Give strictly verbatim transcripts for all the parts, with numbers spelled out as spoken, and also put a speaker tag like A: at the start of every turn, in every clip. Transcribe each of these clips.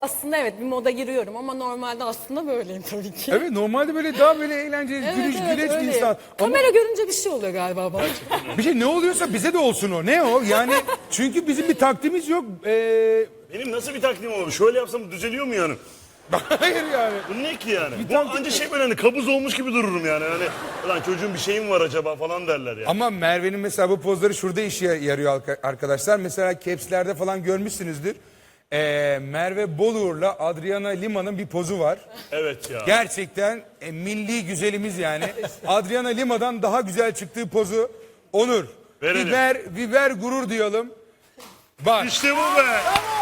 A: Aslında evet bir moda giriyorum ama normalde aslında böyleyim tabii ki.
B: Evet, normalde böyle daha böyle eğlenceli,
A: Evet,
B: gülüş,
A: evet,
B: güleç bir
A: öyleyim.
B: insan. Ama
A: Kamera görünce bir şey oluyor galiba bana.
B: bir şey ne oluyorsa bize de olsun o. Ne o? Yani çünkü bizim bir taktiğimiz yok. Ee,
C: Benim nasıl bir taktiğim olur? Şöyle yapsam düzeliyor mu yani?
B: hayır yani.
C: Bu ne ki yani?
B: Bir
C: Bu
B: taktik
C: anca
B: mi?
C: şey böyle hani kabuz olmuş gibi dururum yani. Hani lan çocuğun bir şeyim var acaba falan derler yani.
B: Ama Merve'nin mesela bu pozları şurada işe yarıyor arka- arkadaşlar. Mesela capslerde falan görmüşsünüzdür. Ee, Merve Boluğur'la Adriana Lima'nın bir pozu var.
C: Evet ya.
B: Gerçekten e, milli güzelimiz yani. Adriana Lima'dan daha güzel çıktığı pozu Onur.
C: Verelim.
B: Biber, biber gurur diyelim. Bak.
C: İşte bu be.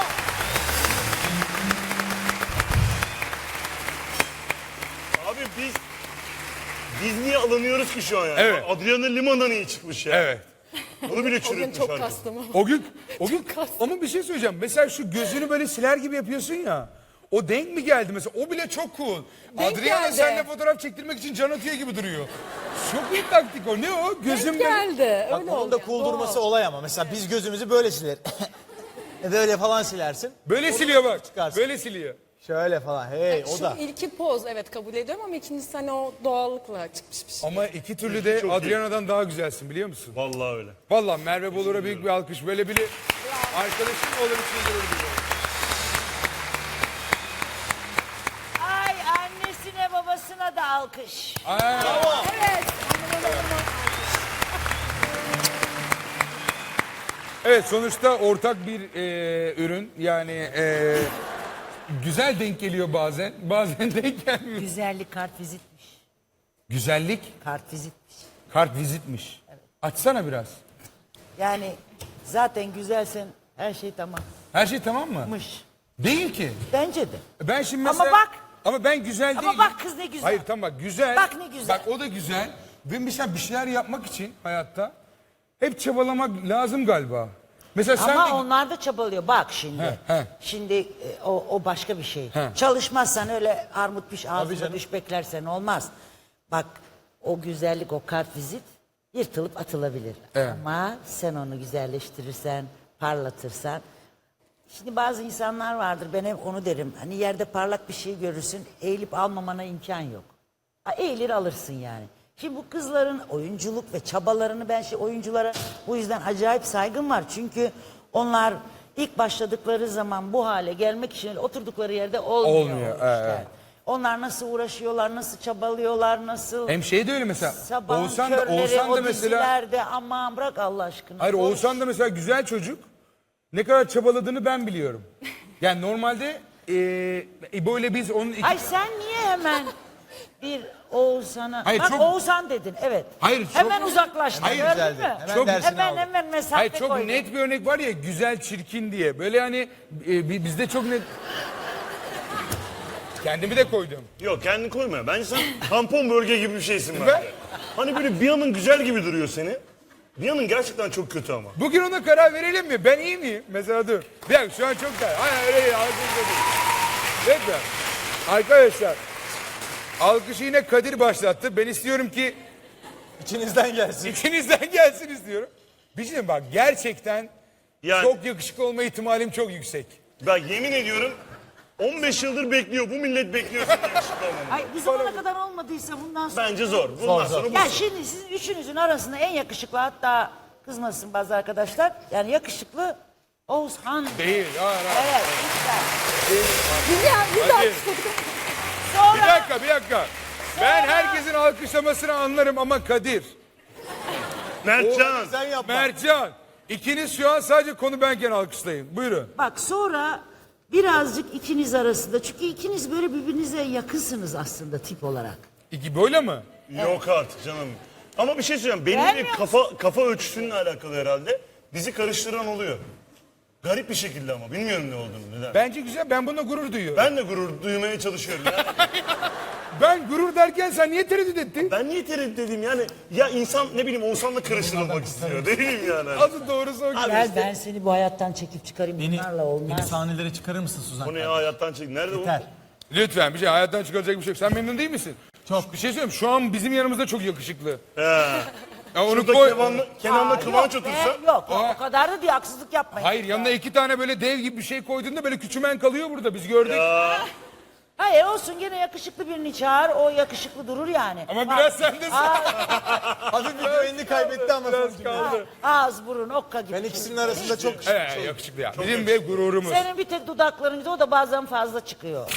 C: Abi biz biz niye alınıyoruz ki şu an yani?
B: Evet.
C: Adriana Lima'dan iyi çıkmış ya.
B: Evet.
C: Bunu bile
A: O gün
C: çürütmüş
A: çok
C: herkes.
A: kastım ama.
B: O gün, o gün
A: kastım.
B: ama bir şey söyleyeceğim. Mesela şu gözünü böyle siler gibi yapıyorsun ya. O denk mi geldi mesela? O bile çok cool.
A: Denk
B: Adriana
A: geldi.
B: seninle fotoğraf çektirmek için can atıyor gibi duruyor. Çok iyi taktik o. Ne o? Gözüm
A: Denk geldi.
D: Bak
A: Öyle
D: onun
A: oldu
D: da
A: yani,
D: cool
A: doğal.
D: durması olay ama. Mesela biz gözümüzü böyle siler. Böyle falan silersin.
B: Böyle siliyor bak.
D: çıkarsın.
B: Böyle siliyor.
D: Şöyle falan. Hey o
A: Şu
D: da.
A: ilki poz evet kabul ediyorum ama ikincisi hani o doğallıkla çıkmış bir şey.
B: Ama iki türlü de
C: Çok iyi.
B: Adriana'dan daha güzelsin biliyor musun?
C: Vallahi öyle.
B: Vallahi Merve Bolur'a büyük bir alkış. Böyle biri arkadaşım olur için gurur duyuyorum.
E: Ay annesine babasına da alkış.
A: Evet.
B: Evet, sonuçta ortak bir e, ürün. Yani e, güzel denk geliyor bazen. Bazen denk gelmiyor.
E: Güzellik kart vizitmiş.
B: Güzellik
E: Kart vizitmiş.
B: kart vizitmiş. Açsana biraz.
E: Yani zaten güzelsen her şey tamammış.
B: Her şey tamam mı? Değil ki.
E: Bence de.
B: Ben şimdi
E: Ama
B: mesela...
E: bak.
B: Ama ben güzel
E: Ama
B: değilim.
E: bak kız ne güzel.
B: Hayır tamam bak güzel.
E: Bak ne güzel.
B: Bak o da güzel. Ve mesela bir şeyler yapmak için hayatta hep çabalamak lazım galiba. Mesela sen
E: Ama
B: de...
E: onlar da çabalıyor. Bak şimdi.
B: He, he.
E: Şimdi e, o, o başka bir şey.
B: He.
E: Çalışmazsan öyle armut piş ağzına
D: canım.
E: düş beklersen olmaz. Bak o güzellik o kart vizit yırtılıp atılabilir.
B: Evet.
E: Ama sen onu güzelleştirirsen, parlatırsan. Şimdi bazı insanlar vardır ben hep onu derim. Hani yerde parlak bir şey görürsün eğilip almamana imkan yok. Ha, eğilir alırsın yani. Şimdi bu kızların oyunculuk ve çabalarını ben şey oyunculara bu yüzden acayip saygım var. Çünkü onlar ilk başladıkları zaman bu hale gelmek için oturdukları yerde olmuyor.
B: Olmuyor,
E: o işler.
B: evet.
E: Onlar nasıl uğraşıyorlar, nasıl çabalıyorlar, nasıl
B: Hem şey de öyle mesela.
E: sabahın
B: Oğuzhan da,
E: körleri,
B: Oğuzhan
E: o
B: da mesela...
E: dizilerde aman bırak Allah aşkına.
B: Hayır
E: Boş.
B: Oğuzhan da mesela güzel çocuk. Ne kadar çabaladığını ben biliyorum. Yani normalde e, böyle biz onun... iki-
E: Ay sen niye hemen bir Oğuzhan'a...
B: Hayır,
E: Bak
B: çok-
E: Oğuzhan dedin evet.
B: Hayır, çok-
E: Hemen uzaklaştın
B: Hayır,
E: gördün
D: güzeldi.
E: mü?
D: Hemen
B: Çok-
D: dersini
E: Hemen
D: aldım.
E: hemen mesafe
B: Hayır çok
E: koydun.
B: net bir örnek var ya güzel çirkin diye. Böyle hani e, bi- bizde çok net... Kendimi de koydum.
C: Yok kendini koyma. Bence sen tampon bölge gibi bir şeysin
B: Ben-
C: bence. Hani böyle bir yanın güzel gibi duruyor seni. Bir yanın gerçekten çok kötü ama.
B: Bugün ona karar verelim mi? Ben iyi miyim? Mesela dur. Bir dakika şu an çok daha. Hayır öyle değil. Alkış değil. Lütfen. Arkadaşlar. Alkışı yine Kadir başlattı. Ben istiyorum ki
D: İçinizden gelsin.
B: ikinizden gelsin istiyorum. Bir şey diyeyim bak gerçekten
C: Yani-
B: çok yakışıklı olma ihtimalim çok yüksek.
C: Ben yemin ediyorum on beş yıldır bekliyor. Bu millet bekliyor senin yakışıklı olmanı.
E: Ay bu zamana kadar olmadıysa bundan sonra...
C: Bence zor. Bundan
D: Zor, zor.
C: sonra bu.
E: Ya şimdi sizin üçünüzün arasında en yakışıklı hatta kızmasın bazı arkadaşlar. Yani yakışıklı Oğuzhan.
B: Değil. Hayır, hayır.
E: Evet lütfen.
A: Güzel güzel.
B: Hadi. Bir
E: Sonra
B: dakika bir dakika. Ben herkesin alkışlamasını anlarım ama Kadir,
C: Mertcan.
D: Sen yapma.
B: Mertcan ikiniz şu an sadece konu benken alkışlayın. Buyurun.
E: bak sonra birazcık ikiniz arasında çünkü ikiniz böyle birbirinize yakınsınız aslında tip olarak.
B: İki böyle mi?
C: Yok artık canım. Ama bir şey söyleyeceğim. Benim de
E: Beğenmiyor
C: kafa kafa ölçüsünle alakalı herhalde. Bizi karıştıran oluyor. Garip bir şekilde ama. Bilmiyorum ne olduğunu. Neden? Ben,
B: Bence güzel. Ben buna gurur duyuyorum.
C: de gurur duymaya çalışıyorum. Ya.
B: Ben gurur derken sen niye tereddüt ettin?
C: Ben niye tereddüt edeyim yani? Ya insan ne bileyim Oğuzhan'la karıştırılmak istiyor. Ne bileyim yani.
B: Adı doğrusu o.
E: Gel ben seni bu hayattan çekip çıkarayım
D: Beni,
E: bunlarla
D: beni
E: olmaz.
D: sahnelere çıkarır mısın Suzan?
C: Bu ne ya hayattan çek. Nerede
D: Yeter.
B: Lütfen bir şey hayattan çıkaracak bir şey yok. Sen memnun değil misin?
D: Çok.
B: Bir şey söyleyeyim. Şu an bizim yanımızda çok yakışıklı.
C: bu? He.
B: Ya onu
C: Şurada
B: koy.
C: Kenan'la, Kenan'la
E: Aa,
C: Kıvanç
E: yok be,
C: otursa.
E: Yok yok, o kadar da diye haksızlık yapmayın.
B: Hayır yanına iki tane böyle dev gibi bir şey koyduğunda böyle küçümen kalıyor burada biz gördük.
E: Hayır olsun, gene yakışıklı birini çağır, o yakışıklı durur yani.
B: Ama biraz sen de
D: Hafif bir güvenini kaybetti ama sonucu.
B: kaldı.
E: Ağız burun okka gibi.
D: Ben ikisinin arasında çok
B: Evet yakışıklı ya. Bizim bir gururumuz.
E: Senin bir tek dudaklarında, o da bazen fazla çıkıyor.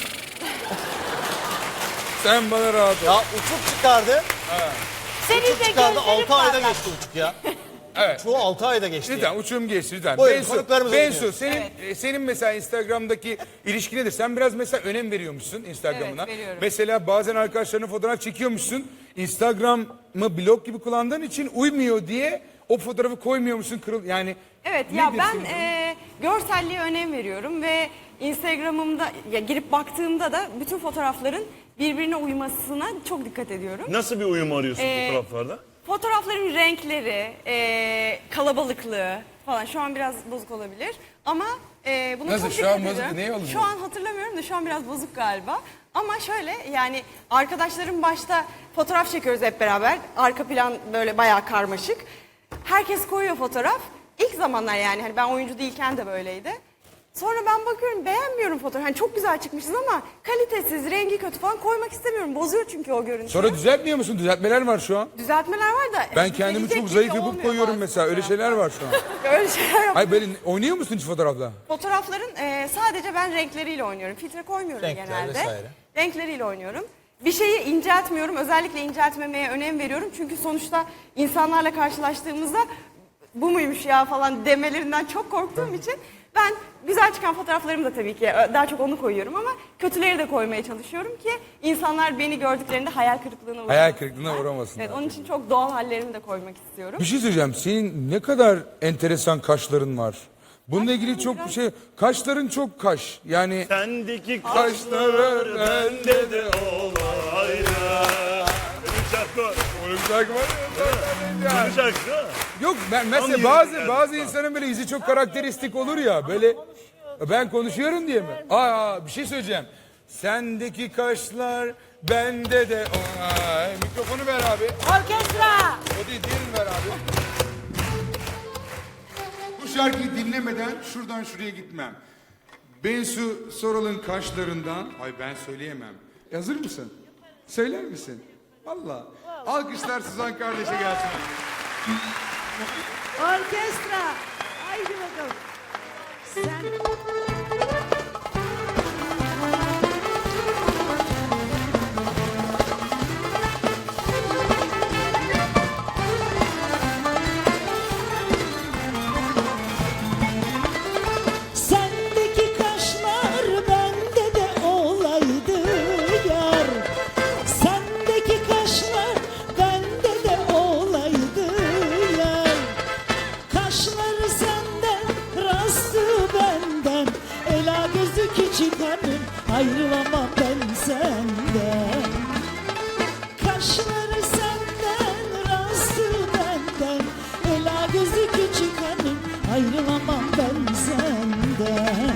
B: Sen bana rahat ol.
D: Ya uçuk çıkardı.
E: Senin
D: Uçuk
E: de
D: çıkardı.
E: gözlerin
D: altı ayda
E: parlak.
D: geçti uçuk ya.
B: Evet.
D: Çoğu altı ayda geçti.
B: Lütfen uçum geçti lütfen.
D: Buyurun,
B: Bensu,
D: konuklarımıza
B: Bensu
D: dinliyoruz.
B: senin, e, senin mesela Instagram'daki ilişkin nedir? Sen biraz mesela önem veriyormuşsun Instagram'ına.
A: Evet, veriyorum.
B: Mesela bazen arkadaşlarına fotoğraf çekiyormuşsun. Instagram'ı blog gibi kullandığın için uymuyor diye o fotoğrafı koymuyormuşsun. Kırıl yani
A: Evet ya
B: nedir
A: ben
B: senin durumun?
A: e, görselliğe önem veriyorum ve Instagram'ımda ya girip baktığımda da bütün fotoğrafların birbirine uymasına çok dikkat ediyorum.
C: Nasıl bir uyum arıyorsun
A: Ee,
C: fotoğraflarda?
A: Fotoğrafların renkleri, e, kalabalıklığı falan şu an biraz bozuk olabilir ama e, buna
B: Nasıl?
A: çok
B: Şu an
A: dikkat
B: bozuk,
A: ediyorum.
B: neye alınıyor?
A: Şu an hatırlamıyorum da şu an biraz bozuk galiba. Ama şöyle yani arkadaşlarım başta fotoğraf çekiyoruz hep beraber. Arka plan böyle bayağı karmaşık. Herkes koyuyor fotoğraf. İlk zamanlar yani hani ben oyuncu değilken de böyleydi. Sonra ben bakıyorum beğenmiyorum fotoğrafı. Hani çok güzel çıkmışız ama kalitesiz, rengi kötü falan koymak istemiyorum. Bozuyor çünkü o görüntüyü.
B: Sonra düzeltmiyor musun? Düzeltmeler var şu an.
A: Düzeltmeler var da.
B: Ben kendimi
A: düzelecek
B: çok
A: gibi
B: zayıf yapıp
A: olmuyor
B: koyuyorum
A: bazı
B: mesela. Öyle
A: fotoğraflar.
B: şeyler var şu an.
A: Öyle şeyler yok.
B: Hayır böyle oynuyor musun hiç fotoğrafla?
A: Fotoğrafların e, sadece ben renkleriyle oynuyorum. Filtre koymuyorum
D: Renkler
A: genelde.
D: vesaire.
A: Renkleriyle oynuyorum. Bir şeyi inceltmiyorum. Özellikle inceltmemeye önem veriyorum. Çünkü sonuçta insanlarla karşılaştığımızda bu muymuş ya falan demelerinden çok korktuğum için ben güzel çıkan fotoğraflarımı da tabii ki daha çok onu koyuyorum ama kötüleri de koymaya çalışıyorum ki insanlar beni gördüklerinde hayal kırıklığına uğramasın.
B: Hayal kırıklığına uğramasınlar.
A: Evet, onun için çok doğal hallerimi de koymak istiyorum.
B: Bir şey söyleyeceğim. Senin ne kadar enteresan kaşların var. Bununla ilgili çok bir şey. Kaşların çok kaş. Yani
C: Sendeki
B: kaşları
C: kaşlar bende de olaydı. Bir şarkı var.
B: öyle bir şarkı var ya.
C: Bir şarkı değil mi?
B: Yok ben mesela
C: Anlıyorum
B: bazı
C: yani.
B: bazı insanın böyle yüzü çok karakteristik olur ya. Böyle ben konuşuyorum diye mi? Aa bir şey söyleyeceğim. Sendeki kaşlar bende de Ay, mikrofonu ver abi.
E: Orkestra!
B: O değil diğerini ver abi. Bu şarkıyı dinlemeden şuradan şuraya gitmem. Bensu Soral'ın kaşlarından... Ay ben söyleyemem. E, hazır mısın? Söyler misin? Valla. Alkışlar Suzan kardeşe gelsin.
E: Orkestra! Haydi bakalım. Sen...
F: Sendeki kaşlar bende de olaydı yar. Sendeki kaşlar bende de olaydı yar. Kaşları senden, rastı benden. Ela gözü küçük hanım, ayrılamam ben senden. Kaşları senden, rastı benden. Ela gözü küçük hanım, ayrılamam ben senden.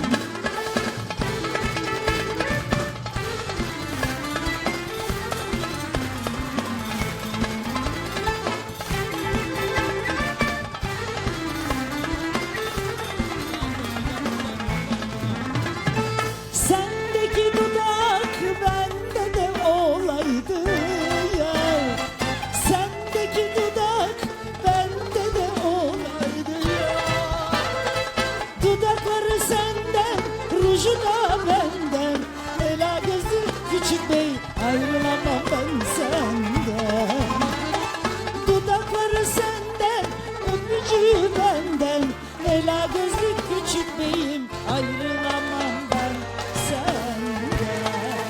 F: Sendeki dudak bende de olaydı yar. Sendeki dudak bende de olaydı yar. Dudakları senden, ruju da benden. Ela gözü küçük bey, ayrılamam ben senden. Dudakları senden, öpücüğü benden. Ela gözlü küçük beyim, ayrılamam ben senden.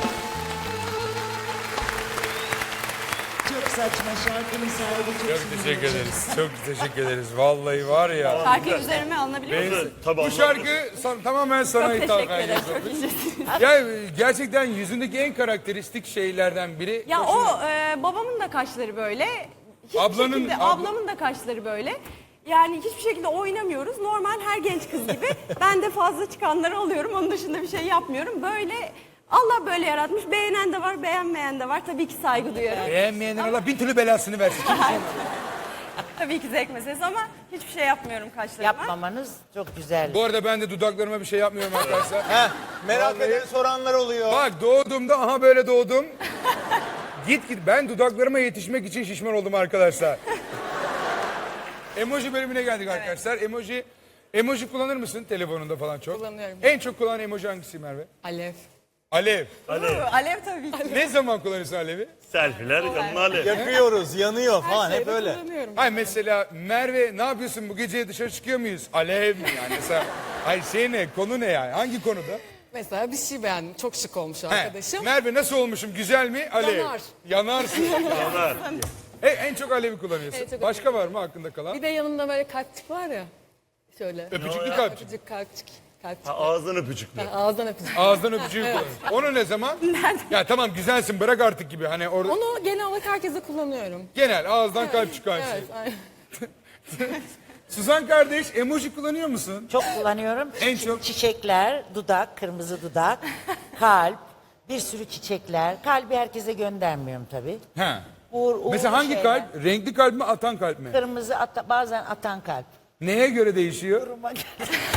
E: Çok saçma şarkının sahibi çok,
B: Çok teşekkür ederiz. Çok teşekkür ederiz. Vallahi var ya.
A: Şarkıyı üzerime alınabilir mi?
C: Evet, tabii
B: Bu
C: anladım.
B: şarkı san- tamamen sana
A: Çok
B: hitap
A: teşekkür ederim.
B: ediyor.
A: Çok iyisiniz.
B: Ya gerçekten yüzündeki en karakteristik şeylerden biri.
A: Ya
B: Hoşuma-
A: o e, babamın da kaşları böyle. Hiçbir
B: Ablanın-
A: şekilde,
B: abla-
A: ablamın da kaşları böyle. Yani hiçbir şekilde oynamıyoruz. Normal her genç kız gibi. Ben de fazla çıkanları alıyorum. Onun dışında bir şey yapmıyorum. Böyle Allah böyle yaratmış. Beğenen de var, beğenmeyen de var. Tabii ki saygı duyuyorum.
B: Beğenmeyenler Allah bin türlü belasını versin. Kimse-
A: Tabii ki zevk meselesi ama hiçbir şey yapmıyorum kaşlarıma.
E: Yapmamanız çok güzel.
B: Bu arada ben de dudaklarıma bir şey yapmıyorum arkadaşlar.
D: Heh, merak
B: Vallahi-
D: eden soranlar oluyor.
B: Bak doğduğumda aha böyle doğdum. Git git ben dudaklarıma yetişmek için şişman oldum arkadaşlar. Emoji bölümüne geldik arkadaşlar. Emoji emoji kullanır mısın telefonunda falan çok?
G: Kullanıyorum.
B: En çok kullanan emoji hangisi Merve?
G: Alev.
B: Alev.
C: Alev,
A: Alev tabii ki.
B: Ne zaman kullanırsın alevi?
C: selfiler, yanına alev.
D: Yakıyoruz, yanıyor falan hep
G: Şeyde
D: öyle.
G: kullanıyorum.
B: Ay mesela Merve ne yapıyorsun bu gece dışarı çıkıyor muyuz? Alev mi yani? Mesela, ay şey ne konu ne yani? Hangi konuda?
G: Mesela bir şey beğendim. Çok şık olmuş
B: He,
G: arkadaşım.
B: Merve nasıl olmuşum güzel mi? Alev.
G: Yanar.
B: Yanarsın.
C: Yanar.
B: E, en çok alevi kullanıyorsun.
G: En çok
B: Başka var mı hakkında kalan?
G: Bir de yanında böyle kalpçik var ya. Şöyle.
B: Öpücüklü kalpçik.
G: Öpücük kalpçik. Kalpçik.
C: Ha, ağızdan öpücüklü.
G: Ha, ağızdan öpücük.
B: Ağızdan öpücüğü kullanıyorsun. Onu ne zaman? Ya tamam güzelsin bırak artık gibi. Hani orada
G: Onu genel olarak herkese kullanıyorum.
B: genel ağızdan kalp çıkan şey.
G: Evet, aynen.
B: Suzan kardeş emoji kullanıyor musun?
E: Çok kullanıyorum.
B: En
E: Çi-
B: çok-
E: Çiçekler, dudak, kırmızı dudak, kalp, bir sürü çiçekler. Kalbi herkese göndermiyorum tabii.
B: He.
E: Uğur, uğurlu
B: Mesela hangi
E: şeyler.
B: kalp? Renkli kalp mi atan kalp mi?
E: Kırmızı ata- bazen atan kalp.
B: Neye göre değişiyor?
E: Duruma göre.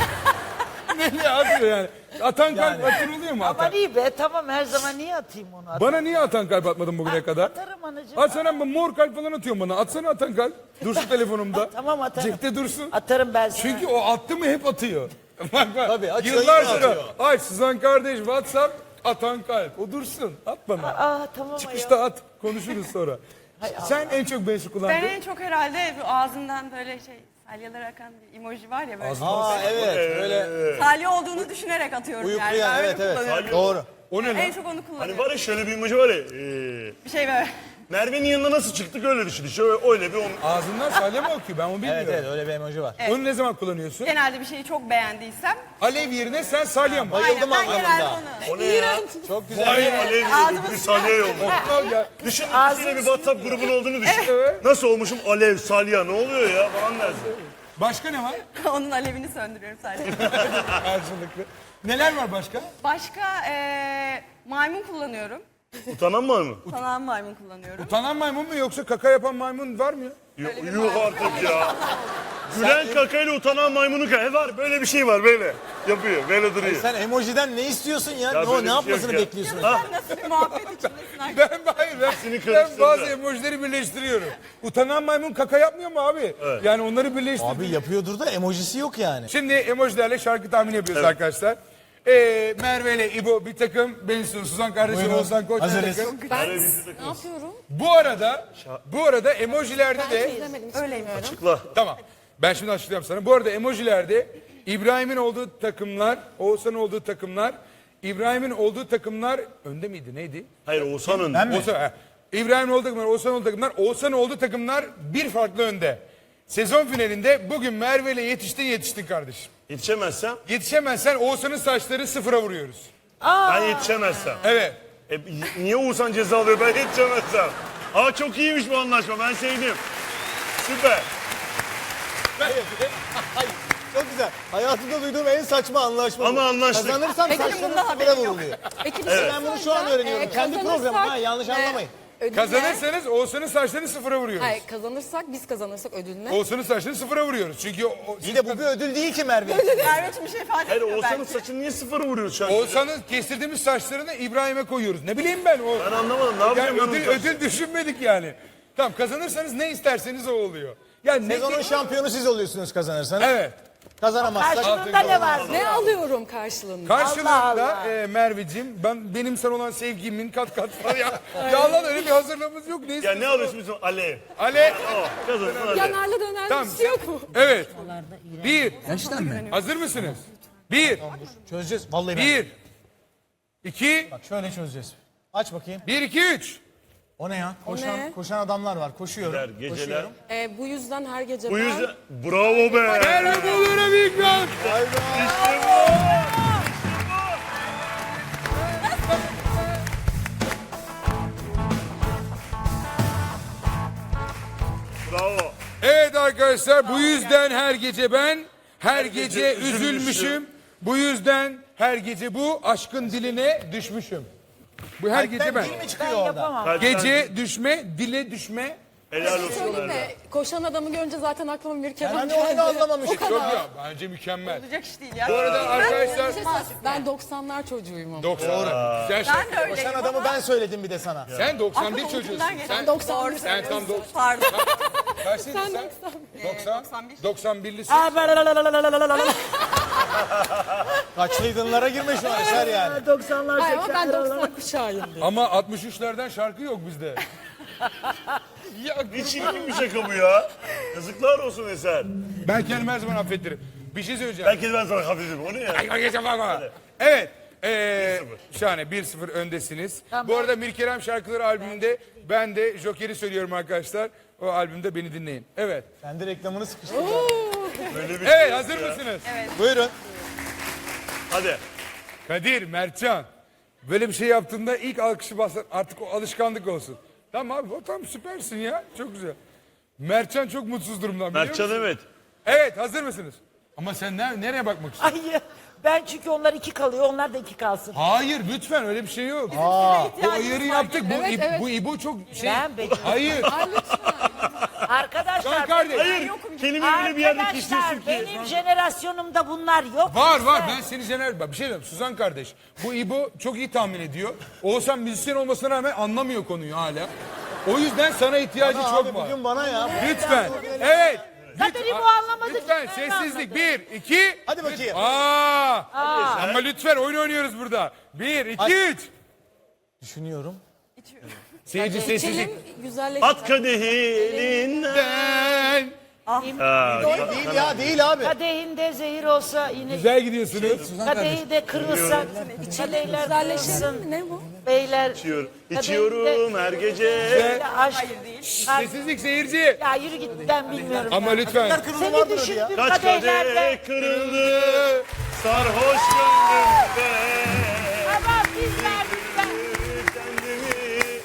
B: Ne atıyor yani? Atan kalp atır oluyor mu
E: Ama
B: atan?
E: iyi be tamam her zaman niye atayım onu? At-
B: Bana niye atan kalp atmadın bugüne kadar?
E: Atarım anacığım.
B: Atsana mor kalp falan atıyorsun bana. Atsana atan kalp. Dursun telefonumda.
E: Tamam atarım.
B: Cepte dursun.
E: Atarım ben sana.
B: Çünkü o attı mı hep atıyor. bak bak.
D: Tabii, açıyor,
B: Yıllar
D: yine
B: sonra.
D: atıyor.
B: Ay Suzan kardeş WhatsApp atan kalp. O dursun. At bana.
E: Aa tamam
B: Çıkışta at. Konuşuruz sonra. Sen en çok beşi
A: Ben
B: kullandın.
A: en çok herhalde bu ağzından böyle şey salyalar akan bir emoji var ya böyle.
D: Aa evet öyle
A: Salya olduğunu düşünerek atıyorum yani.
D: uyuklayan
A: Ben öyle
D: evet evet
A: kullanıyorum.
D: doğru.
B: O ne lan?
A: En çok onu
C: Hani
A: kullanıyorum.
C: var ya şöyle bir emoji var ya. E,
A: Bir şey böyle.
C: Merve'nin yanına nasıl çıktık öyle düşün. İşte öyle, öyle bir onu.
B: Ağzından salya mı akıyor? Ben onu bilmiyorum.
D: Evet evet öyle bir emoji var.
B: Onu ne zaman kullanıyorsun?
A: Genelde bir şeyi çok beğendiysem.
B: Alev yerine sen salya mı?
D: Bayıldım
A: Aynen, ben genelde
D: anlamında.
A: onu.
C: O ne ya?
D: Çok güzel.
C: Alev alev
A: Ağzımı
C: gibi bir salya yolladı.
B: Al ya.
C: Düşün ikisiyle bir WhatsApp grubun olduğunu düşün.
B: Evet.
C: Nasıl olmuşum? Alev, salya ne oluyor ya falan dersin.
B: Başka ne var?
A: Onun alevini söndürüyorum sadece.
B: Karşılıklı. Neler var başka?
A: Başka eee maymun kullanıyorum.
C: Utanan var mı?
A: Sanan maymun kullanıyorum.
B: Utanan maymun mu yoksa kaka yapan maymun var mı ya?
C: Yok, yuh artık ya. Gülen kakayla utanan maymunu ka. Var böyle bir şey var böyle. Yapıyor böyle duruyor.
D: Sen emojiden ne istiyorsun ya?
C: Ya
D: ne,
C: böyle
D: o,
C: bir
D: ne
C: şey
D: yapmasını
C: yok ya.
D: bekliyorsun?
A: Sen nasıl bir muhabbet içindesin artık?
B: Ben hayır ben,
C: İkisini
B: ben
C: karıştırdı.
B: bazı emojileri birleştiriyorum. Utanan maymun kaka yapmıyor mu abi? Yani onları birleştir.
D: Abi yapıyordur da emojisi yok yani.
B: Şimdi emojilerle şarkı tahmini yapıyoruz arkadaşlar. Ee, Merve ile İbo bir takım, Bensu, Suzan kardeşim,
D: Buyurun.
B: Oğuzhan Koç bir
D: Hazırız.
B: takım.
G: Ben ne yapıyorum?
B: Bu arada, bu arada emojilerde de...
G: İzlemedim.
A: Öyleyim.
C: Açıkla.
B: Tamam. Ben şimdi açıklayayım sana. Bu arada emojilerde İbrahim'in olduğu takımlar, Oğuzhan'ın olduğu takımlar, İbrahim'in olduğu takımlar önde miydi? Neydi?
C: Hayır Oğuzhan'ın.
D: Ben mi?
B: Oğuzhan, he. İbrahim'in olduğu takımlar, Oğuzhan'ın olduğu takımlar, Oğuzhan'ın olduğu takımlar bir farklı önde. Sezon finalinde bugün Merve ile yetiştin yetiştin kardeşim.
C: Yetişemezsem.
B: Yetişemezsen Oğuzhan'ın saçları sıfıra vuruyoruz.
C: Ben yetişemezsem.
B: Evet.
C: E, niye Oğuzhan ceza alıyor ben yetişemezsem? Aa çok iyiymiş bu anlaşma ben sevdim. Süper.
D: Ay, çok güzel. Hayatımda duyduğum en saçma anlaşma
C: Ama
D: bu.
C: anlaştık.
D: Kazanırsam
A: Peki,
D: saçlarım
A: bundan
D: sıfıra
A: haberim yok.
D: vuruluyor.
G: Peki bir şey
D: Ben bunu şu an
G: soracağım.
D: öğreniyorum.
G: Ee,
D: Kendi
G: kazanırsak,
D: programım ha yanlış
G: e,
D: anlamayın.
G: ödül ne?
B: Kazanırsanız Oğuzhan'ın saçlarını sıfıra vuruyoruz.
G: Hayır kazanırsak biz kazanırsak ödül ne?
B: Oğuzhan'ın saçlarını sıfıra vuruyoruz. Çünkü o, o-
D: İyi de bu bir ödül değil ki Merve.
A: Merve bir şey ifade
C: Hayır
A: etmiyor
C: Oğuzhan'ın
A: belki.
C: saçını niye sıfır vuruyoruz şu an?
B: Oğuzhan'ın kestirdiğimiz saçlarını İbrahim'e koyuyoruz. Ne bileyim ben o.
C: Ben anlamadım ne
B: Yani
C: yapacağım?
B: ödül,
C: ben
B: ödül düşünmedik yani. Tamam kazanırsanız ne isterseniz o oluyor. Yani ne
D: Sezonun şampiyonu siz oluyorsunuz kazanırsanız.
B: Evet.
D: Kazanamazsak.
E: Karşılığında ne var?
G: Ne alıyorum karşılığında?
B: Karşılığında
E: Allah Allah.
B: e, Merveciğim ben benim sana olan sevgimin kat kat var ya. Ya Allah öyle bir hazırlığımız yok. Ne
C: Ya
B: istiyorsun?
C: ne alıyorsun bizim Alev?
B: Ale.
C: Oh, kazansın Alev.
G: Yanarlı dönerli
B: Tamam.
G: bir şey yok mu?
B: Evet. Bir. Hazır mısınız? Bir.
D: Çözeceğiz. Vallahi ben.
B: Bir. İki.
D: Bak şöyle çözeceğiz. Aç bakayım.
B: Bir, iki, üç.
D: O ne ya? Koşan,
G: ne?
D: koşan adamlar var. Koşuyorum.
C: Geceler, geceler.
D: Koşuyorum.
G: Ee, bu yüzden her gece
C: Bu
G: ben...
C: yüzden bravo be.
B: Merve Bolur'a bir ikram.
C: İşte bu. Bravo.
B: Evet arkadaşlar bu yüzden her gece ben her gece
C: gece
B: üzülmüşüm.
C: üzülmüşüm.
B: Bu yüzden her gece bu aşkın diline düşmüşüm. Bu her gece ben.
D: Dil mi çıkıyor
E: Ben
D: orada?
E: yapamam.
C: Kalp-
B: Gece düşme, dile düşme.
C: Helal olsun
G: Söyleyeyim
C: Erdem.
G: mi? Koşan adamı görünce zaten aklıma bir kere
D: Ben hani onu da anlamamıştım.
B: Çok ya. Bence mükemmel.
A: Olacak iş değil ya.
B: Bu arada arkadaşlar
G: Ben doksanlar çocuğuyum ama.
B: doksan. Güzel şey.
A: Ben de öyleyim
D: Koşan
A: ama
D: adamı ben söyledim bir de sana.
B: Sen doksan bir
A: aklıma
B: çocuğusun.
A: ucundan geçti.
B: Sen,
G: doksan bir.
B: sen tam doksan.
A: Pardon.
B: Kaçlıydın sen? doksan.
A: doksan bir.
B: doksan birlisin.
D: Kaçlıydınlara girme şu an Eser yani.
E: doksanlar
G: Hayır ama ben doksan kuşağıyım.
B: Ama altmış üçlerden şarkı yok bizde. Ya
C: Ne çirkin bir şaka bu ya. Yazıklar olsun Eser.
B: ben kendimi her zaman affettirim. Bir şey söyleyeceğim.
C: Belki de ben sana hafifim. O ne ya?
B: Ay, ay, geçen bak bak. Evet. Ee, şahane bir sıfır öndesiniz. Bu arada Mirkerem Şarkıları albümünde ben de Joker'i söylüyorum arkadaşlar. O albümde beni dinleyin. Evet.
D: Sen de reklamını sıkıştırdın.
C: Böyle bir
B: Evet
C: şey
B: hazır
C: ya.
B: mısınız?
D: Buyurun.
C: Hadi.
B: Kadir, Mertcan. Böyle bir şey yaptığında ilk alkışı basın. Artık o alışkanlık olsun. Tamam abi o tam süpersin ya. Çok güzel. Mertcan çok mutsuz durumdan biliyor
C: Mertcan
B: musun?
C: evet.
B: Evet hazır mısınız? Ama sen ne, nereye bakmak istiyorsun?
E: Ay ben çünkü onlar iki kalıyor, onlar da iki kalsın.
B: Hayır lütfen öyle bir şey yok. Bu ayarı yaptık. Bu,
G: Evet,
B: İb-
G: evet.
B: bu İbo çok şey.
E: Ben beceririm.
B: Hayır.
E: Arkadaşlar,
B: Can kardeş.
C: Hayır. Kendimi öyle bir yerde
E: arkadaşlar
C: kişiyorsun ki.
E: benim jenerasyonumda bunlar yok.
B: Var
E: lütfen.
B: var ben seni jener... Bak bir şey diyeyim Suzan kardeş. Bu İbo çok iyi tahmin ediyor. Oğuzhan müzisyen olmasına rağmen anlamıyor konuyu hala. O yüzden sana ihtiyacı
D: Bana
B: çok
D: abi
B: var.
D: bugün bana ya.
B: Lütfen. Evet.
E: Zaten
B: Lütfen-
E: İbo anlamadı.
B: Lütfen
E: Ben
B: sessizlik.
E: anladım.
B: Bir, iki.
D: Hadi bakayım.
B: Aa. Ama lütfen oyun oynuyoruz burada. Bir, iki,
D: Hadi.
B: üç.
D: Düşünüyorum.
B: Seyirci sessizlik.
G: Çelim güzelleşti.
C: At kadehi elinden.
B: Ben.
D: Değil ya değil abi.
E: Kadehinde zehir olsa yine
B: Güzel gidiyorsunuz. Suzan kardeş.
E: kadehi de kırılsa kadehler kırılsın.
G: Ne bu?
E: Beyler
C: İçiyorum.
E: kadehinde-
C: İçiyorum her gece.
E: Ya aşk. Ay,
B: Sessizlik seyirci.
E: ya yürü git ben bilmiyorum.
B: Ama lütfen.
D: Kırmızı
E: Seni
D: vardır ya.
E: düşündüm
C: Kaç
E: kadehlerde.
C: kadeh kırıldı. Sarhoş gönlümde.
E: Ama biz verdik ben.
C: Kendimi.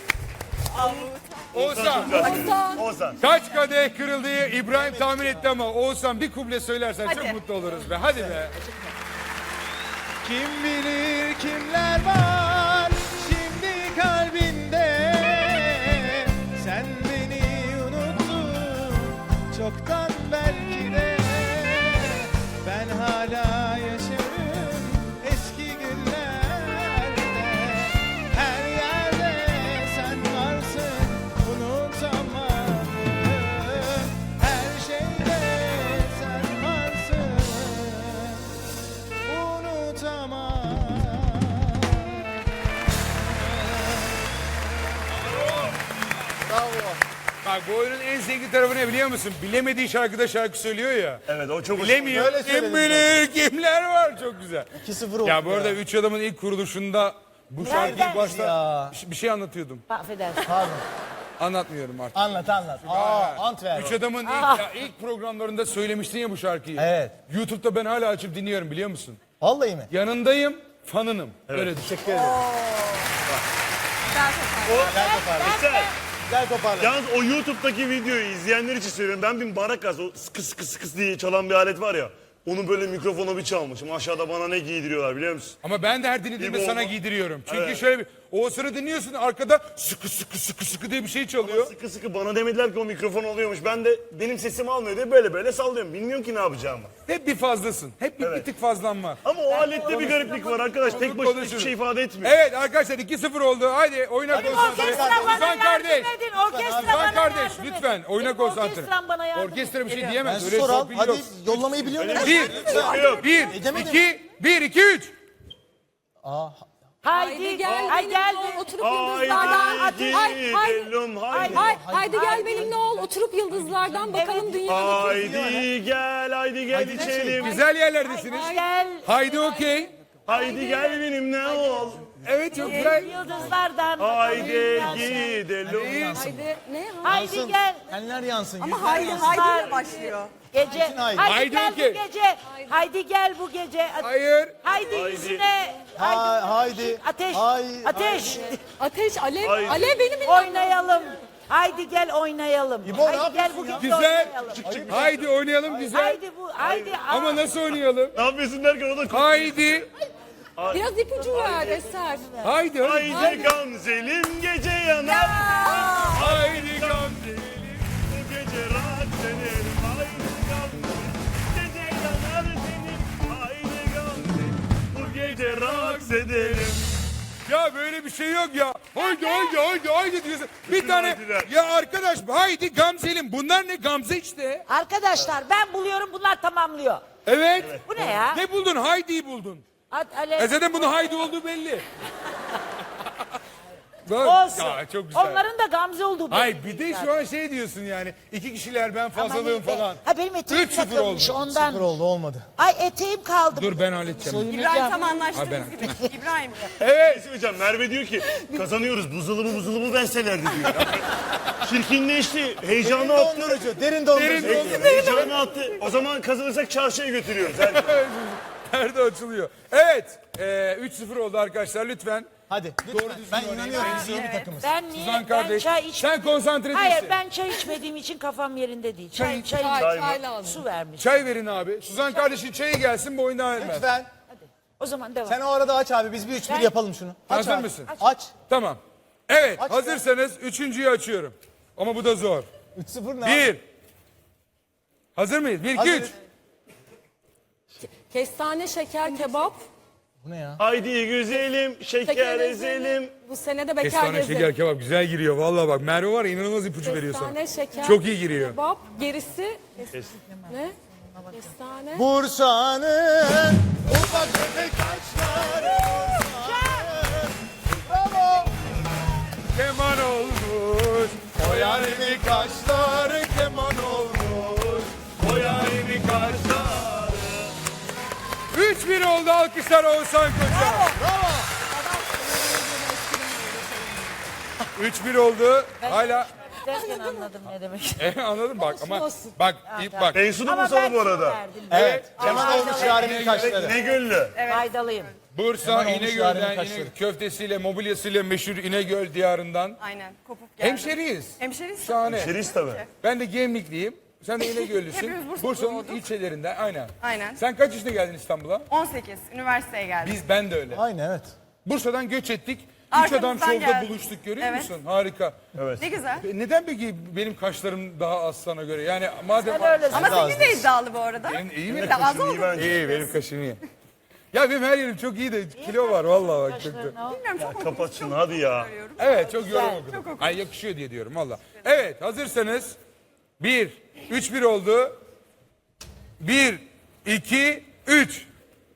B: Oğuzhan.
C: Ozan.
B: Kaç kadeh kırıldı İbrahim tahmin etti ama Oğuzhan bir kuble söylersen çok
A: Hadi.
B: mutlu oluruz be. Hadi be.
D: Kim bilir kimler var şimdi kalbinde. Sen beni unuttun çoktan belki de. Ben hala yaşarım eski günlerde. Her yerde sen varsın unutamadım. Her şeyde sen varsın unutamam. Bravo.
B: Bak bu oyunun en zengin tarafı ne biliyor musun? Bilemediği şarkıda şarkı söylüyor ya.
C: Evet o çok
B: Bilemiyor.
D: Öyle
B: Kim
D: söyledim
B: bilir kimler var. Çok güzel.
D: iki sıfır oldu
B: Ya bu arada Üç Adam'ın ilk kuruluşunda bu şarkıyı
E: Nereden?
B: başta
D: Ya.
B: bir şey- bir şey anlatıyordum.
E: Affedersin.
D: Pardon.
B: Anlatmıyorum artık.
D: Anlat anlat. Aa Antwerp.
B: Üç Adam'ın ilk, ya, ilk programlarında söylemiştin ya bu şarkıyı.
D: Evet.
B: YouTube'da ben hala açıp dinliyorum biliyor musun?
D: Vallahi mi?
B: Yanındayım, fanınım. Öyle düşün.
D: Teşekkür ederim. Güzel toparladın.
C: Eser.
D: Güzel toparladın.
C: Yalnız o YouTube'daki videoyu izleyenler için söylüyorum. Ben bir marakas, o sıkı sıkı sıkı diye çalan bir alet var ya. Onu böyle mikrofona bir çalmışım. Aşağıda bana ne giydiriyorlar biliyor musun?
B: Ama ben de her dinlediğimde
C: İbo
B: sana
C: olma.
B: giydiriyorum. Çünkü
C: Evet.
B: şöyle bir Oğuzhan'ı dinliyorsun arkada sıkı sıkı sıkı sıkı diye bir şey çalıyor.
C: Sıkı sıkı bana demediler ki o mikrofon oluyormuş. Ben de benim sesimi almıyor diye böyle böyle sallıyorum. Bilmiyorum ki ne yapacağımı.
B: Hep bir fazlasın. Hep bir, bir tık fazlan var.
C: Ama o alette bir gariplik var arkadaş. Tek başına hiçbir
B: Konuşuruz.
C: şey ifade etmiyor.
B: Evet arkadaşlar iki sıfır oldu. Haydi oyuna konsantre.
E: Orkestra bana
B: Suzan
E: yardım
B: kardeş.
E: edin. Orkestra
B: Suzan
E: bana
B: kardeş
E: yardım edin.
B: lütfen oyuna
E: Benim
B: konsantre.
E: orkestram bana yardım
B: Orkestra bir şey
E: edin.
B: diyemez.
D: Ben
B: Öyle
D: sor al.
B: torpil
D: Hadi
B: yok.
D: yollamayı biliyor musun?
B: Bir,
C: Yok.
B: bir,
D: Edemedim.
B: iki, bir, iki, üç.
E: Haydi
G: Haydi
E: gel.
G: gel
E: Ay
G: benimle
E: gel.
G: ol, oturup yıldızlardan.
C: Haydi
G: Hay, hay,
C: gidelim haydi.
G: hay, haydi gel benimle ol, oturup yıldızlardan bakalım
E: Evet.
G: dünyadaki.
C: Haydi gel haydi gel içelim.
B: Güzel yerlerdesiniz.
E: Gel.
B: Haydi okey.
C: Haydi gel benimle ol.
B: Evet çok güzel.
E: Yıldızlardan.
C: Haydi
E: bakalım.
C: gidelim.
G: Haydi ne?
E: Haydi gel.
D: Enler yansın.
A: Ama
D: yüzler
A: haydi
D: yansın.
A: haydi ile başlıyor.
E: Gece.
D: haydi.
E: Haydi,
B: Haydi
E: gel
B: okey.
E: bu gece. Haydi gel bu gece.
B: Hayır.
E: Haydi,
C: Haydi.
E: yüzüne.
D: Hay- haydi.
E: Ateş.
D: Hay-
E: Ateş.
G: Ateş, alev,
C: Haydi.
G: alev benim.
E: Oynayalım. Haydi gel oynayalım.
D: İbo, ne
E: haydi gel
D: yapıyorsun
E: bu
D: ya?
E: gece
B: Güzel.
E: oynayalım.
B: Haydi oynayalım güzel.
E: Haydi bu. Haydi.
B: Ama nasıl oynayalım?
C: Ne yapıyorsun derken o da
B: Haydi.
G: Biraz ipucu ver Eser.
B: Haydi. Haydi.
C: Haydi gamzelim gece yanar.
B: Haydi gamzelim
C: edelim. Haydi Gamze. Gece yanar senin. Haydi Gamze. Bu gece raks edelim.
B: Ya böyle bir şey yok ya. Haydi haydi haydi haydi diyorsun. Bir tane
C: haydiler.
B: ya arkadaş haydi Gamze'lim. Bunlar ne Gamze işte.
E: Arkadaşlar ben buluyorum bunlar tamamlıyor.
B: Evet.
E: Bu ne ya?
B: Ne buldun? Haydi'yi buldun.
E: At, alev.
B: E zaten bunun haydi olduğu belli. Bak,
E: Olsun.
B: ya çok güzel.
E: Onların da Gamze olduğu belli.
B: Hayır bir de şu an şey diyorsun yani. İki kişiler ben
E: Ama
B: fazlalığım
E: iyi be.
B: falan.
E: Ha benim eteğim
B: üç sıfır
E: takılmış
B: oldu.
E: ondan.
D: Sıfır oldu olmadı.
E: Ay eteğim kaldı.
B: Dur ben halledeceğim.
A: İbrahim tam
B: Ha,
A: anlaştığımız
B: ben-
A: gibi. İbrahim.
B: Evet.
C: Hocam Merve diyor ki kazanıyoruz buzdolabı buzdolabı verselerdi diyor. Çirkinleşti. Heyecanı
D: Derin
C: attı.
D: dondurucu, derin dondurucu.
B: Derin dondurucu.
C: Heyecanı attı. O zaman kazanırsak çarşıya götürüyoruz. Hadi.
B: Nerede açılıyor? Evet. E, üç sıfır oldu arkadaşlar lütfen.
D: Hadi lütfen. Ben inanıyorum biz iyi bir takımız.
E: Ben niye?
B: Suzan
E: Ben
B: kardeş.
E: çay iç...
B: Sen konsantre
E: Hayır
B: değilsin.
E: ben çay içmediğim için kafam yerinde değil. Çay, çay,
G: Çay,
E: çay,
G: çay lazım.
E: Su vermiş.
B: Çay verin abi. Suzan kardeşin çayı gelsin bu oyunu devam etmez.
D: Lütfen.
E: O zaman devam.
D: Sen o arada aç abi biz bir üç bir
E: Ben-
D: yapalım şunu. Aç
B: Hazır
D: abi.
B: mısın?
D: Aç.
B: Tamam. Evet
D: Aç
B: hazırsanız üçüncüyü açıyorum. Ama bu da zor.
D: üç sıfır ne?
B: Bir. Hazır mıyız? Bir, iki,
D: Hazırız.
B: üç.
G: Kestane şeker kebap.
D: Bu ne ya?
C: Haydi güzelim şeker
G: Şeker
C: ezelim.
G: ezelim. Bu sene de bekar
B: Kestane
G: gezelim.
B: şeker kebap güzel giriyor. Vallahi bak Merve var ya inanılmaz ipucu veriyor sana.
G: Kestane şeker
B: Çok iyi giriyor.
G: kebap. Gerisi ne? Kestane.
D: Bursa'nın ufak tefek taşları. Bravo.
B: Keman olmuş.
D: O yarimin kaşları keman olmuş.
B: O yarimi kaçlar. Üç bir oldu alkışlar Oğuzhan Koç'a.
D: Bravo.
B: Üç bir oldu. Hala
E: Derken anladım ne demek.
B: e, anladım bak ama
G: olsun.
B: bak ip bak.
C: Bensu da
E: Ama
C: mı sana
E: ben
C: bu
E: su
C: arada?
E: verdim.
D: Evet. Keman olmuş yarimin kaşları.
C: Ne güllü.
E: Faydalıyım.
B: Bursa
D: Keman olmuş
B: İnegöl'den
D: yarimin
B: İne,
D: kaşları.
B: köftesiyle mobilyasıyla meşhur İnegöl diyarından.
A: Aynen. Kopup geldi.
B: Hemşeriyiz.
A: Hemşeriyiz.
B: Şahane.
C: Şeris tabii.
B: Ben de Gemlikliyim. Sen de İnegöllüsün.
A: Hepimiz Bursa'da
B: Bursa'nın
A: doğduk.
B: ilçelerinden aynen.
A: Aynen.
B: Sen kaç yaşında geldin İstanbul'a?
A: on sekiz. Üniversiteye geldim.
B: Biz ben de öyle.
D: Aynı evet.
B: Bursa'dan göç ettik. Üç
A: Arkamızdan
B: adam şovda
A: geldi.
B: buluştuk görüyor
A: Evet.
B: musun? Harika.
A: Ne güzel.
B: E, Neden peki benim kaşlarım daha az sana göre? Yani madem...
E: Sen öylesin.
A: Ama senin de iddialı bu arada.
B: Benim iyi mi?
A: Bir de az oldu.
B: İyi benim kaşım iyi. Ya benim her yerim çok iyi de kilo var vallahi bak çok da.
A: Bilmiyorum çok
C: Kapat şunu hadi ya.
B: Evet çok yorum okudum. Ay yakışıyor diye diyorum valla. Evet hazırsanız bir, üç bir oldu. Bir, iki, üç.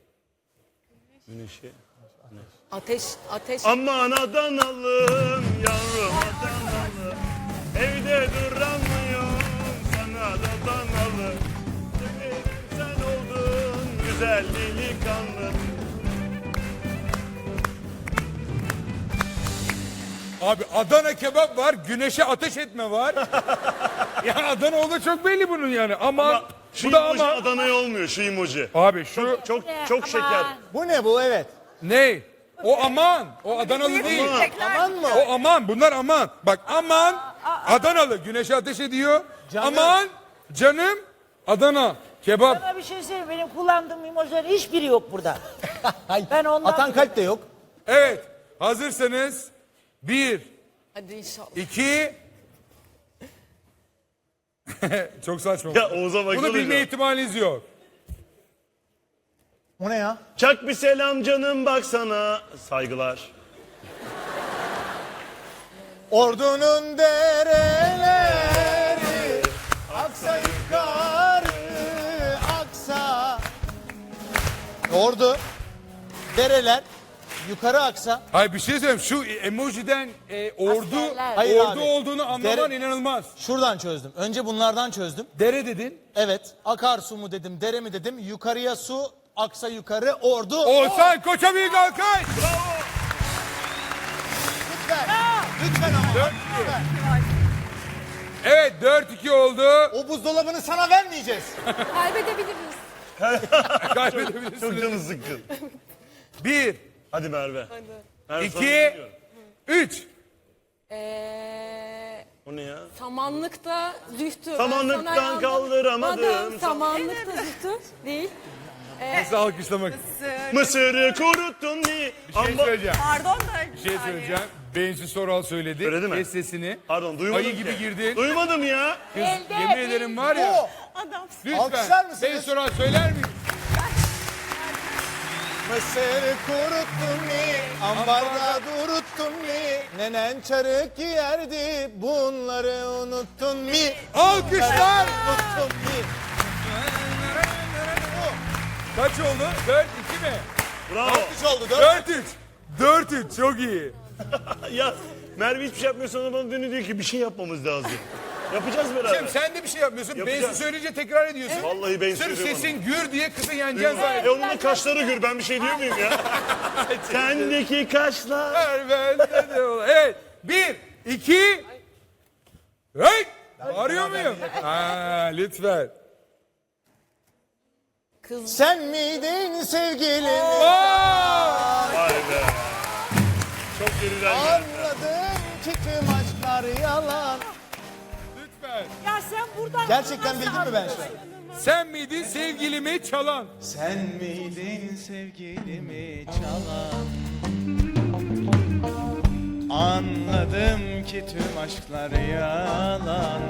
G: Ateş, ateş.
C: Aman Adanalım yavrum Adanalım. Evde duramıyorum sana da Adanalı. Severim sen oldun güzel delikanlı.
B: Abi Adana kebap var, güneşe ateş etme var. Ya Adana oldu çok belli bunun yani. Ama,
C: Ama şu
B: bu da
C: emoji
B: ama.
C: Adana'ya olmuyor şu emoji.
B: Abi şu
C: Çok
E: Ne?
C: çok
E: Aman.
C: şeker.
D: Bu ne bu evet.
B: ne? O aman. O Adanalı değil.
D: Aman mı?
B: O aman. Bunlar aman. Bak aman Adanalı güneşe ateş ediyor.
D: Canım.
B: Aman canım Adana kebap.
E: Sana bir şey söyleyeyim. Benim kullandığım emojilerin hiçbiri yok burada.
D: Hayır.
E: Ben ondan-
D: Atan kalp de yok.
B: Evet. Hazırsanız bir,
G: Hadi inşallah.
B: iki. Çok saçma.
C: Ya Oğuz'a bak.
B: Bunu bilme ihtimaliniz yok.
D: O ne ya?
C: Çak bir selam canım baksana. Saygılar.
D: Ordunun dereleri aksa yukarı aksa. Ordu, dereler yukarı aksa.
B: Hayır bir şey söyleyeyim. Şu emojiden e, ordu
E: Askerler.
D: Hayır
B: ordu
D: abi.
B: olduğunu anlaman
D: Dere-
B: inanılmaz.
D: Şuradan çözdüm. Önce bunlardan çözdüm.
B: Dere dedin.
D: Evet. Akarsu mu dedim, dere mi dedim. Yukarıya su, aksa yukarı, ordu.
B: Oğuzhan Koç'a büyük alkış.
D: Lütfen. Lütfen ama. Lütfen.
B: Evet dört iki oldu.
D: O buzdolabını sana vermeyeceğiz.
G: Kaybedebiliriz.
C: Çok
B: Kaybedebilirsiniz.
C: canı sıkkın.
B: Bir,
C: Hadi Merve. Merve
B: iki,
C: sana güveniyorum.
B: üç.
G: Ee,
C: O ne ya?
G: samanlıkta zühtü. Ben
C: Samanlıktan
G: sana yandım.
C: kaldıramadım.
G: Madem Samanlıkta zühtü değil.
B: Nasıl alkışlamak?
C: Mısırı kuruttun diye.
B: Bir şey söyleyeceğim.
A: Pardon da.
B: Bir şey söyleyeceğim. Bensu Soral söyledi.
C: Söyledi mi?
B: Kes sesini.
C: Pardon duymadım
B: Ayı
C: ki.
B: gibi girdin.
C: Duymadım ya.
B: Kız, yemin ederim var ya.
A: Adamsın.
D: Alkışlar
B: Lütfen.
D: mısınız?
B: Bensu Soral söyler misin?
D: Mısır kuruttun mi? Ambarda duruttun mi? Nenen çarık giyerdi. Bunları unuttun mi?
B: Alkışlar.
D: Unuttun mi?
B: Kaç oldu? dört iki mi?
C: Bravo.
D: Alkış oldu. Dört.
B: dört üç. dört üç çok iyi.
C: Ya Merve hiçbir şey yapmıyor sonra bana dönüyor diyor ki bir şey yapmamız lazım. Yapacağız beraber.
B: Cem sen de bir şey yapmıyorsun.
C: Yapacağız.
B: Bensu söyleyince tekrar ediyorsun.
C: Vallahi ben
B: Sırf
C: söylüyorum.
B: sesin gür diye kızı yeneceksin zaten.
C: E onun da kaşları gür ben bir şey diyor muyum ya? Sendeki kaşlar.
B: Ver, ben de ol. Evet. Bir, iki. Hey! Arıyor muyum? Aa, lütfen.
D: Sen miydin sevgilim?
B: Aa!
C: Vay be. Çok geriden geldi.
D: Anladım ki tüm aşklar yalan.
B: Lütfen.
E: Ya sen buradan
D: Gerçekten bildin mi ben şu an?
B: Sen miydin sevgilimi çalan?
D: Sen miydin sevgilimi çalan? Anladım ki tüm aşklar yalan.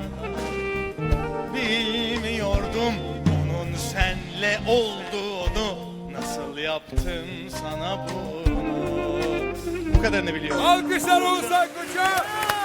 D: Bilmiyordum onun senle olduğunu. Nasıl yaptım sana bunu? Bu kadarını biliyorum.
B: Alkışlar Oğuzhan Koç'a.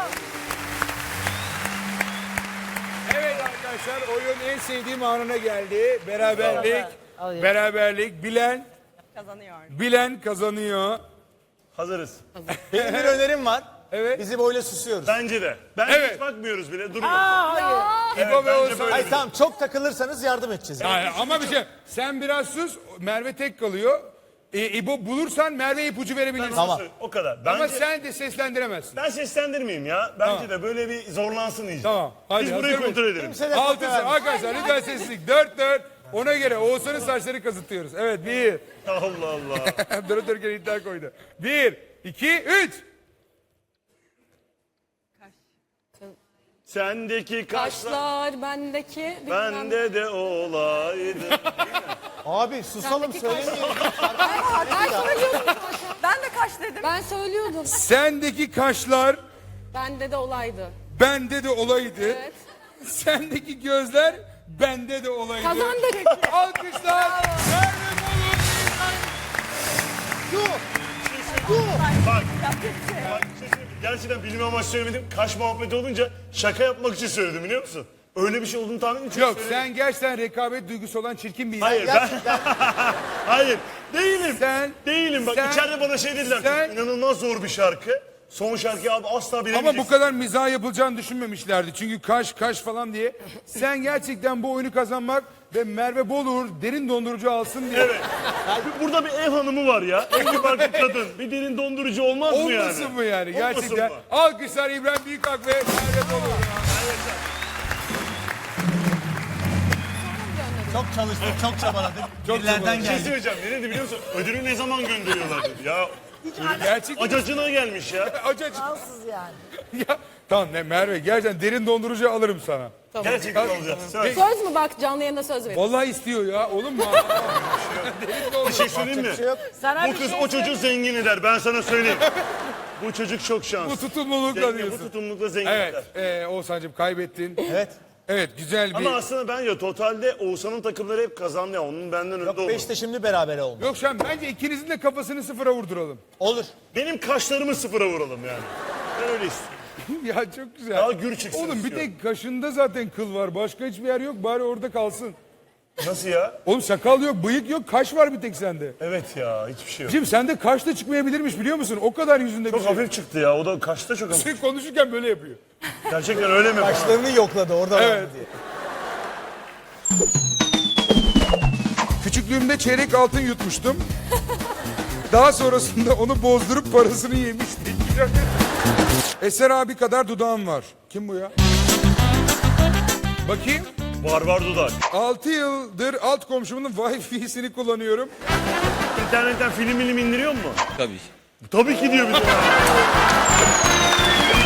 B: Evet arkadaşlar oyun en sevdiğim anına geldi. Beraberlik. Beraberlik. Bilen,
A: Kazanıyor.
B: bilen kazanıyor.
C: Hazırız.
D: Benim bir önerim var.
B: Evet.
D: Bizi böyle susuyoruz.
C: Bence de. Bence
B: Evet.
C: hiç bakmıyoruz bile duruyor.
B: İbo ve
C: bence
B: Oğuzhan.
C: böyle.
D: Hayır tamam çok takılırsanız yardım edeceğiz.
B: Yani ama bir şey, sen biraz sus, Merve tek kalıyor. E, İbo bulursan Merve ipucu verebilirsin.
D: Tamam.
C: O kadar. Bence,
B: Ama sen de seslendiremezsin.
C: ben seslendirmeyeyim ya. Bence
B: Tamam.
C: de böyle bir zorlansın iyice.
B: Tamam, hadi,
C: Biz
B: hazır
C: burayı
B: mıyız?
C: kontrol edelim.
D: Kimse de
B: Altı
D: kopya vermesin.
B: arkadaşlar lütfen sessizlik. Dört dört. Ona göre Oğuzhan'ın saçları kazıtıyoruz. Evet bir.
C: Allah Allah.
B: Durup dururken iddia koydu. Bir, iki, üç.
C: Sendeki kaşlar
G: Kaşlar bendeki. bilmem-
C: bende de olaydı.
D: Abi susalım
G: Sendeki
D: söylemeyelim.
G: Ben söylüyordum zaten.
A: Ben de kaç dedim.
G: Ben söylüyordum.
B: Sendeki kaşlar
G: Bende de olaydı.
B: bende de olaydı.
G: Evet.
B: Sendeki gözler bende de olaydı.
G: Kazandık.
B: Alkışlar. Merve Bolu.
C: Bak. Bak bir şey söyleyeyim mi? Gerçekten bilim amaçlı söylemedim. Kaş muhabbeti olunca şaka yapmak için söyledim biliyor musun? Öyle bir şey olduğunu tahmin etmiyorum.
B: Yok sen gerçekten rekabet duygusu olan çirkin bir insan.
C: Hayır ben... Hayır değilim.
B: Sen-
C: değilim bak
B: sen-
C: içeride bana şey dediler.
B: sen-
C: İnanılmaz zor bir şarkı. Son şarkıyı abi asla bilemeyeceksin.
B: Ama bu kadar mizah yapılacağını düşünmemişlerdi. Çünkü kaş kaş falan diye. Sen gerçekten bu oyunu kazanmak ve Merve Boluğur derin dondurucu alsın diye.
C: Evet. Burada bir ev hanımı var ya. Evli barklı kadın. Bir derin dondurucu olmaz mı yani?
B: Olmasın mı yani?
C: Olmasın
B: Gerçekten.
C: mı?
B: Alkışlar İbrahim Büyükak ve Merve Boluğur.
D: Çok çalıştık, çok çabaladık.
B: Çok
D: Birilerden
C: Bir şey
D: geldik.
C: söyleyeceğim. Ne dedi biliyor musun? Ödülü ne zaman gönderiyorlar dedi. Ya
B: Gerçekten.
C: acacına gelmiş ya.
B: Acacı.
E: Alsız yani.
B: Ya, tamam ne Merve gerçekten derin dondurucu alırım sana.
C: Gerçekten alacağız. Söz.
G: Söz mü bak canlı yayında söz verin.
B: Vallahi istiyor ya olur mu? Derin
C: Bir
B: dondurucu.
C: şey söyleyeyim mi?
E: Sana
C: Bu
E: bir
C: kız
E: şey
C: o çocuğu
E: söyleyeyim.
C: zengin eder. Ben sana söyleyeyim. Bu çocuk çok şanslı.
B: Bu tutumlulukla
C: Zengin, bu
B: diyorsun.
C: tutumlulukla zengin eder.
B: Evet e, Oğuzhan'cığım kaybettin.
D: Evet.
B: Evet güzel bir...
C: Ama aslında ben ya totalde Oğuzhan'ın takımları hep kazandı ya. Onun benden önde
D: Yok
C: oldu.
D: beşte şimdi beraber oldu.
B: Yok şu an bence ikinizin de kafasını sıfıra vurduralım.
D: Olur.
C: Benim kaşlarımı sıfıra vuralım yani. Ben öyle istiyorum.
B: Ya çok güzel.
C: Daha gür çıksın
B: Oğlum bir
C: istiyorum.
B: tek kaşında zaten kıl var. Başka hiçbir yer yok. Bari orada kalsın.
C: Nasıl ya?
B: Oğlum sakal yok, bıyık yok, kaş var bir tek sende.
C: Evet ya hiçbir şey yok.
B: Şimdi sende kaş da çıkmayabilirmiş biliyor musun? O kadar yüzünde bir
C: Çok
B: şey.
C: hafif çıktı ya. O da kaşta çok hafif.
B: Sen konuşurken böyle yapıyor.
C: Gerçekten öyle mi?
D: Başlarını yokladı orada var
B: Evet.
D: mı diye.
B: Küçüklüğümde çeyrek altın yutmuştum. Daha sonrasında onu bozdurup parasını yemiştik. Eser abi kadar dudağım var. Kim bu ya? Bakayım.
C: Var var dudak.
B: altı yıldır alt komşumun Wi-Fi'sini kullanıyorum.
C: İnternetten film milim indiriyor mu?
H: Tabii.
C: Tabii ki diyor bir de.